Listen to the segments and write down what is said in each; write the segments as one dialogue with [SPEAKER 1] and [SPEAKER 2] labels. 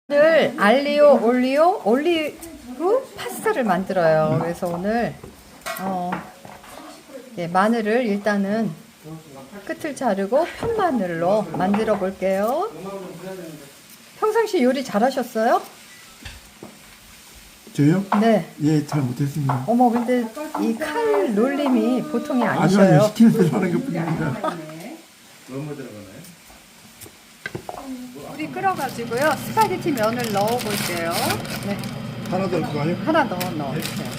[SPEAKER 1] 오늘 알리오 올리브 파스타를 만들어요. 그래서 오늘 마늘을 일단은 끝을 자르고 편마늘로 만들어 볼게요. 평상시 요리 잘하셨어요?
[SPEAKER 2] 저요?
[SPEAKER 1] 네.
[SPEAKER 2] 예, 잘 못했습니다.
[SPEAKER 1] 어머, 근데 이 칼 놀림이 보통이
[SPEAKER 2] 아니요,
[SPEAKER 1] 아니셔요.
[SPEAKER 2] 시키는 대로 하는 것 뿐입니다.
[SPEAKER 3] 너무 들어가나요?
[SPEAKER 1] 물이 끓어가지고요. 스파게티 면을 넣어 볼게요. 네.
[SPEAKER 2] 하나 더 할까요?
[SPEAKER 1] 하나 넣어주세요.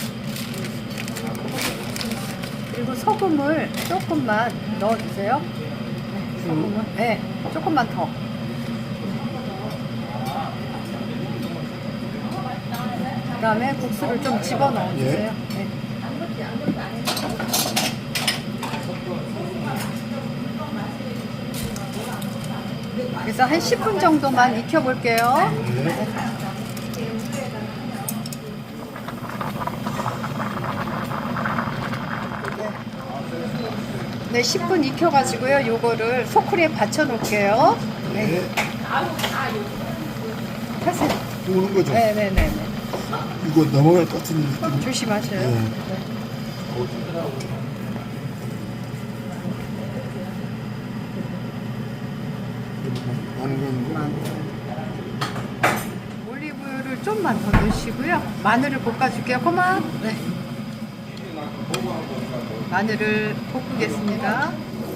[SPEAKER 1] 그리고 소금을 조금만 넣어주세요. 네, 소금을. 네, 조금만 더. 그 다음에 국수를 좀 집어넣어주세요. 네. 그래서 한 10분 정도만 익혀볼게요. 네, 10분 익혀가지고요. 요거를 소쿠리에 받쳐 놓을게요. 네. 하세요.
[SPEAKER 2] 구우는 거죠?
[SPEAKER 1] 네네네.
[SPEAKER 2] 이거 넘어갈 것 같은 느낌.
[SPEAKER 1] 조심하셔요.
[SPEAKER 2] 네.
[SPEAKER 1] 네.
[SPEAKER 2] 많은 건
[SPEAKER 1] 올리브유를 좀만 더 넣으시고요. 마늘을 볶아줄게요. 그만. 네. 마늘을 볶겠습니다.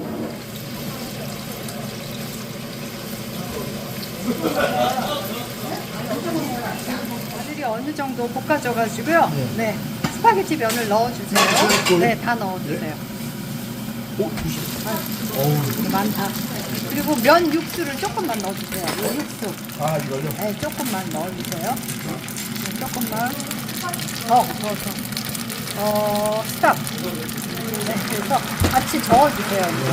[SPEAKER 1] 마늘이 어느 정도 볶아져가지고요. 네. 스파게티 면을 넣어주세요. 네, 다 넣어주세요.
[SPEAKER 2] 어우,
[SPEAKER 1] 많다. 그리고 면 육수를 조금만 넣어주세요. 요 육수.
[SPEAKER 2] 아, 이걸요?
[SPEAKER 1] 네, 조금만 넣어주세요. 네, 조금만. 스탑. 네, 그래서 같이 저어주세요. 이제.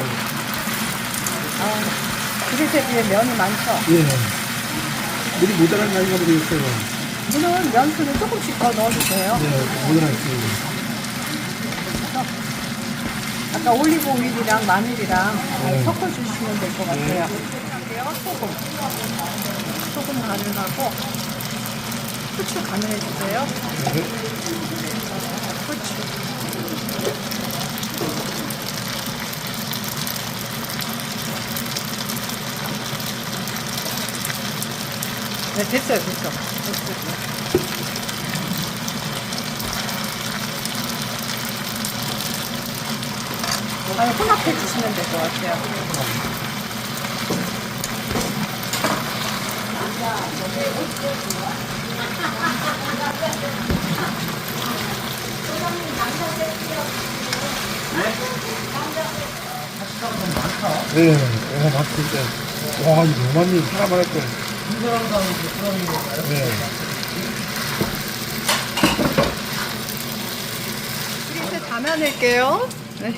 [SPEAKER 1] 그릇에 비해 면이 많죠?
[SPEAKER 2] 예. 물이 모자란 거 아닌가 모르겠어요.
[SPEAKER 1] 물은 면수는 조금씩 더 넣어주세요.
[SPEAKER 2] 네, 모자랐어요.
[SPEAKER 1] 아까 올리브 오일이랑 마늘이랑 섞어주시면 될 것 같아요. 소금 간을 하고 후추 간을 해주세요. 후추. 네, 됐어요. 혼합해 주시면 될 것 같아요.
[SPEAKER 2] 네, 맞을 때. 와, 이거 너무 많이 사람 할 거예요. 네.
[SPEAKER 1] 그릇에 담아낼게요. 네.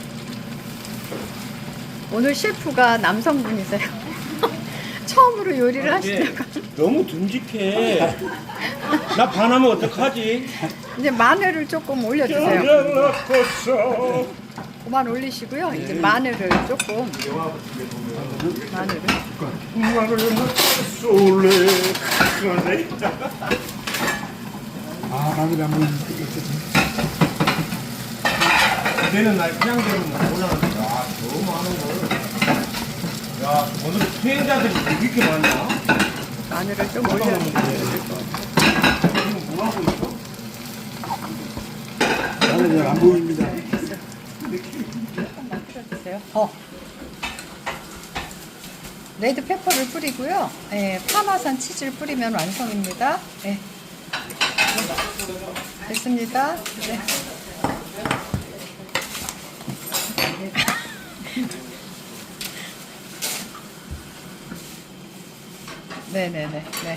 [SPEAKER 1] 오늘 셰프가 남성분이세요. 처음으로 요리를 하시다가
[SPEAKER 3] 너무 듬직해. 나 반하면 어떡하지?
[SPEAKER 1] 이제 마늘을 조금 올려주세요.
[SPEAKER 3] 연락했어.
[SPEAKER 1] 그만 올리시고요. 이제 마늘을 조금 마늘을
[SPEAKER 3] 솔레.
[SPEAKER 2] 아, 마늘이 안 보이니까.
[SPEAKER 3] 걔는 날 그냥 되면 몰랐는데. 야, 너무 많은 걸. 야, 오늘 수행자들이 왜 이렇게 많냐?
[SPEAKER 1] 마늘을 좀 올려주세요.
[SPEAKER 3] 지금 뭐 하고 있어?
[SPEAKER 2] 마늘이 잘 안 보입니다.
[SPEAKER 1] 조금만 뿌려주세요. 레드 페퍼를 뿌리고요. 파마산 치즈를 뿌리면 완성입니다. 네. 됐습니다. 네. 네네네. 네.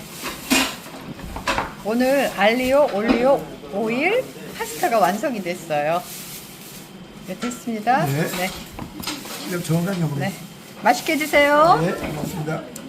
[SPEAKER 1] 오늘 알리오 올리오 오일 파스타가 완성이 됐어요. 네, 됐습니다.
[SPEAKER 2] 네.
[SPEAKER 1] 네.
[SPEAKER 2] 그냥 정확하게 해보세요.
[SPEAKER 1] 네. 맛있게 드세요.
[SPEAKER 2] 네, 고맙습니다.